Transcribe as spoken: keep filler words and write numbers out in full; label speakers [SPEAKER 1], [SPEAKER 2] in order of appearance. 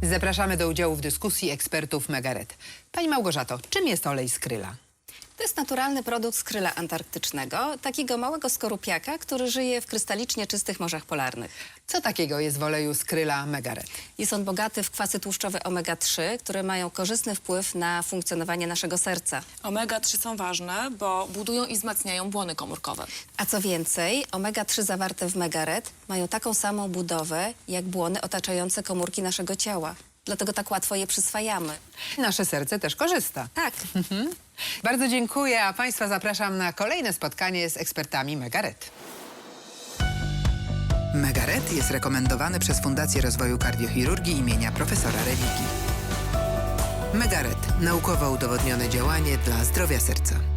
[SPEAKER 1] Zapraszamy do udziału w dyskusji ekspertów Megaret. Pani Małgorzato, czym jest olej z kryla?
[SPEAKER 2] To jest naturalny produkt z kryla antarktycznego, takiego małego skorupiaka, który żyje w krystalicznie czystych morzach polarnych.
[SPEAKER 1] Co takiego jest w oleju z kryla Megaret?
[SPEAKER 2] Jest on bogaty w kwasy tłuszczowe omega trzy, które mają korzystny wpływ na funkcjonowanie naszego serca.
[SPEAKER 3] omega trzy są ważne, bo budują i wzmacniają błony komórkowe.
[SPEAKER 2] A co więcej, omega trzy zawarte w Megaret mają taką samą budowę jak błony otaczające komórki naszego ciała. Dlatego tak łatwo je przyswajamy.
[SPEAKER 1] Nasze serce też korzysta.
[SPEAKER 2] Tak.
[SPEAKER 1] Bardzo dziękuję, a Państwa zapraszam na kolejne spotkanie z ekspertami Megaret. Megaret jest rekomendowany przez Fundację Rozwoju Kardiochirurgii imienia profesora Religi. Megaret. Naukowo udowodnione działanie dla zdrowia serca.